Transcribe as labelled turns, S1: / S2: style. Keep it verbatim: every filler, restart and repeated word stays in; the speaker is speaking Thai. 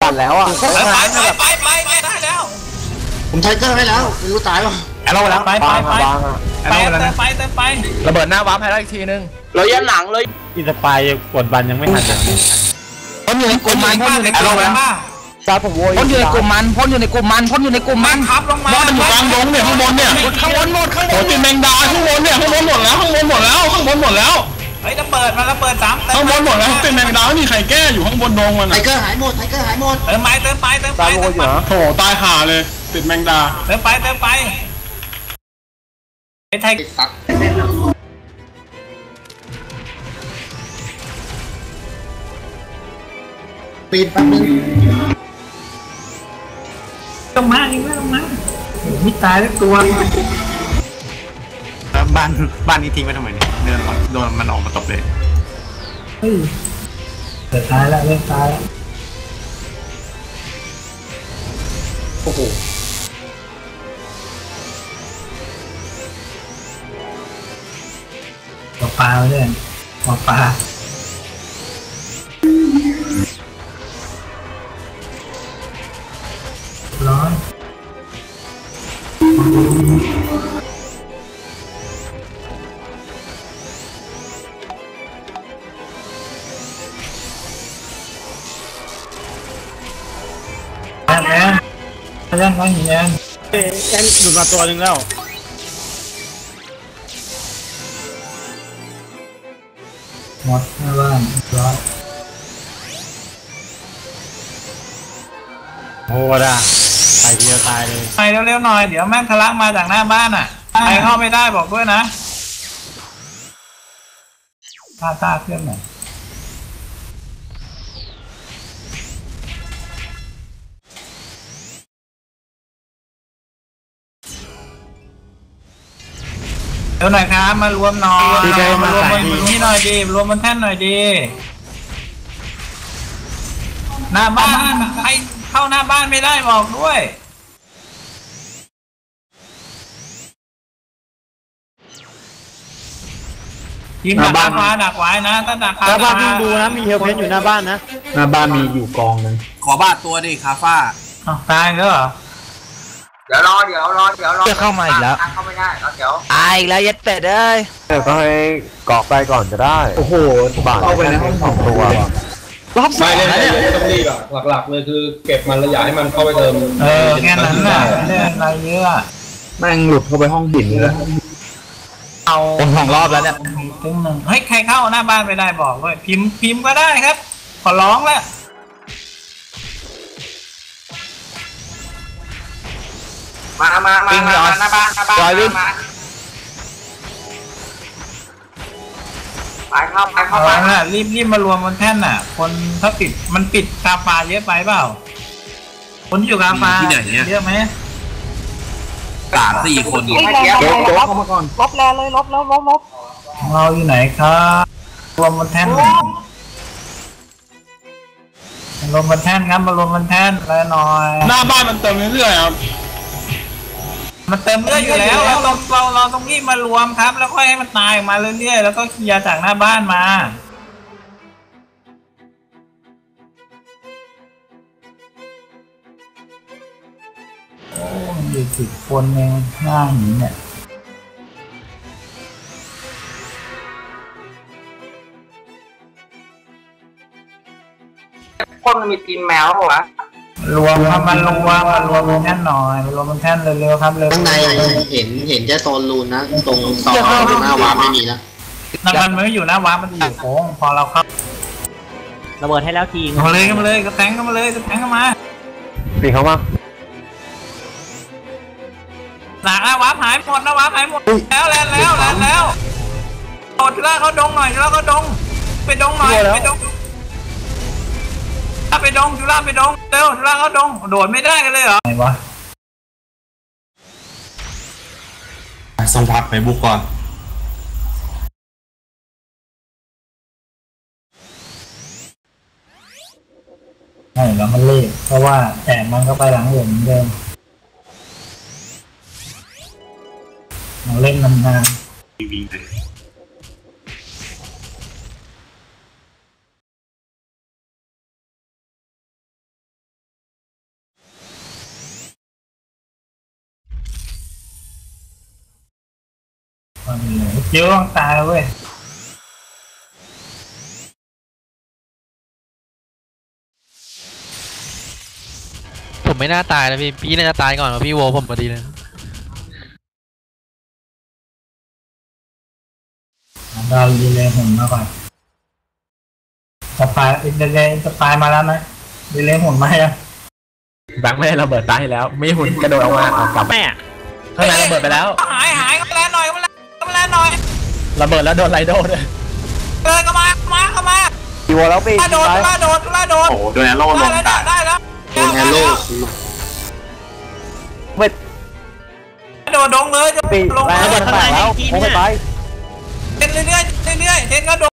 S1: อนแล้วอ่ะ
S2: ไปไปไปไปไปได้แล้ว
S3: ผมไทเกอร์ให้แล้วไม่รู้ตายป่ะ
S2: เราแล้วไปไปไปไปเติมไปเติมไประเบิดหน้าวาร์ปให้ได้อีกทีนึง
S1: เรายันหลังเลย
S4: อินสปายกดบันยังไม่ทันเลย
S1: พ่นอยู่ในกลุ่มมันพ่นอยู่ในกลุ่มมันตาผมโวยพ่นอยู่ในกลุ่มมันพ่นอยู่ในกลุ่มมันพ่นอยู่ในกลุ่มมัน
S2: ครับลงมา
S1: มันอยู่กลางดงเนี่ยข้างบนเนี่ยข้างบนหมดข้างบนติดแมงดาข้างบนเนี่ยข้างบนหมดแล้วข้างบนหมดแล้วข้างบนหมดแล้ว
S2: เฮ้ยระเบิดมาระเบิดสาม
S1: ข้างบนหมดแล้วติดแมงดาไม่มีใครแก้อยู่ข้างบนดงมัน
S3: ไทเกอร์หายหมดไทเกอร์หายหมด
S2: เติมไปเติมไปเติมไปเติมไป
S1: โถตายห่าเลยติดแมงดา
S2: เติมไปเติมไปไอ้ไทย
S3: ปีนแป๊บนึง
S2: ต้องมาอีกแล้วต้องมามิตายแล้วตัว
S5: บ้านบ้านนี้ทิ้งไว้ทำไมเนี่ยเดินโดนมันออกมาตบเลย
S2: เฮ้ยเกิดตายแล้วเริ่มตายแล้ว
S3: โอ้โห
S2: ปลาปลาเลยปลาปลาร้อนแอนแอนแอนแอนแอน
S4: แอนหลุดมาตัวหนึ่งแล้ว
S2: หมดหน้าบ้านร้อน
S4: โอ้ด่าไปเดียวตายเลย
S2: ไปเร็วๆหน่อยเดี๋ยวแม่งทะลักมาจากหน้าบ้านอ่ะใครเข้าไม่ได้บอกด้วยนะตาตาเครื่องหน่อยเดี๋ยวหน่อยครับมารวมหน่อยมารวมบนนี้หน่อยดีรวมบนแท่นหน่อยดีหน้าบ้านใครเข้าหน้าบ้านไม่ได้บอกด้วยทีมดักฟ้าดักไว้นะถ้าดักฟ้า
S4: หน้าบ้านวิ่งดูนะมีเฮลเพนอยู่หน้าบ้านนะ
S1: หน้าบ้านมีอยู่กองนึง
S5: ขอบาดตัวดิคาฟ้า
S2: ตายแล้วเหรอ
S6: เดี๋ยวรอเดี๋ยวรอเดี๋ยวรอ
S1: จะเข้ามาอีกแล้ว
S6: เข้าไม่ได้แล้วเดี๋ยว
S1: อายแล้วยัดเป็ดเอ้ยก็ให้กอกไปก่อนจะได้โอ้โหบาดเข้าไปในห้องสองตัวรอบสอง
S7: แล้วเนี่ยต้องรีบอ่ะหลักๆเลยคือเก็บมันระยะให้มันเข้าไปเติม
S2: เออแค่นั้นแหละไม่ได้อะไรเยอะ
S1: แม่งหลุดเข้าไปห้องหินเลยเอาสองรอบแล้วเนี่ย
S2: ตึ้งหนึ่งเฮ้ยใครเข้าหน้าบ้านไม่ได้บอกด้วยพิมพ์พิมพ์ก็ได้ครับขอร้องแล้ว
S6: มามามามาหน้าบ้านหน้าบ้านมาไปเข้าไปเข้าไป
S2: นะรีบรีบมารวมบนแท่นน่ะคนถ้าปิดมันปิดกาฟ้าเยอะไปเปล่าคนอยู่กาฟ้าเยอะไหม
S5: สามสี่คน
S6: ลบเข้ามาก่อนลบแล้วเลยลบแล้วลบลบ
S2: เราอยู่ไหนครับรวมบนแท่นรวมบนแท่นครับมารวมบนแท่นแล้วหน่อย
S1: หน้าบ้านมันเติมเรื่อยๆครับ
S2: มันเต็มเรื่อยอยู่แล้วเราเราเราต้องรีบมารวมครับแล้วค่อยให้มันตายมาเรื่อยๆแล้วก็เคลียร์จากหน้าบ้านมาโอ้มันอยู่สิบคนเองหน้าหินเนี่ย
S6: คนมันมีทีมแมวเหรอวะ
S2: รวมครับมันรวมมันรวมบนแท่นหน่อยรวมบนแท่นเร็วๆครับเร็ว
S3: ข้างในเห็นเห็นแค่โซนรูนนะตรงซอยหน้าวาร์ปไม่มีนะ
S2: นั่นมันไม่อยู่หน้าวาร์ปมันอยู่โค้งพอเราเข้า
S4: ระเบิดให้แล้วที
S2: มาเลยมาเลยกระแทงเข้ามาเลยกระแทงเข้ามา
S1: ปีเข้ามา
S2: หนักนะวาร์ปหายหมดนะวาร์ปหายหมดแล้วแล้วแล้วแล้วแล้วโดดล่าเขาดงหน่อยล่าเขาดงไปดงหน่อยไปดงถ้าไปดงจุฬาไปดงเร็วจุฬาเขาดงโดดไม่ได้กันเลยเหรอไงวะ
S5: สัมผัสไปบุกก่อน
S2: ใช่แล้วมันเล่เพราะว่าแต่มันก็ไปหลังเหมือนเดิมเราเล่นนานๆ
S6: เดี๋ยวต้องตายเว้ย
S8: ผมไม่น่าตายนะพี่พี่น่าจะตายก่อนกับพี่โวผมพอดีเลย
S6: เราดีเลยหุ่นมาก่อนสปายดีเลยสปายมาแล้วไหมดีเลยหุ่นมาแล้ว
S1: แบงค์ไม่ได้ระเบิดตายให้แล้วไม่หุ่นกระโดดออกมาเอากลับ
S4: แม่
S1: ข้างในระเบิดไปแล้ว
S2: หายหายก็แลนหน่อยก็แลนก็แลนหน่อย
S1: ระเบิดแล้วโดนไรโดด้วย
S2: เดินเข้ามามาเข้ามา
S1: อีโวแล้วปี
S2: ล่าโดดล่าโดดล่าโดด
S5: โอ้โหโดนแอโร่ล
S2: ได้
S5: ง
S2: แล้ว
S5: ตาย
S2: ได้แล้ว
S3: โดนแอโร่
S1: เว้ย
S2: โดดดงเลยจะ
S1: ปี
S2: ลง
S1: ระเบิดแตกแล้วโอ้ไป
S2: เทนเรื่อยๆเรื่อยๆเทนก็โด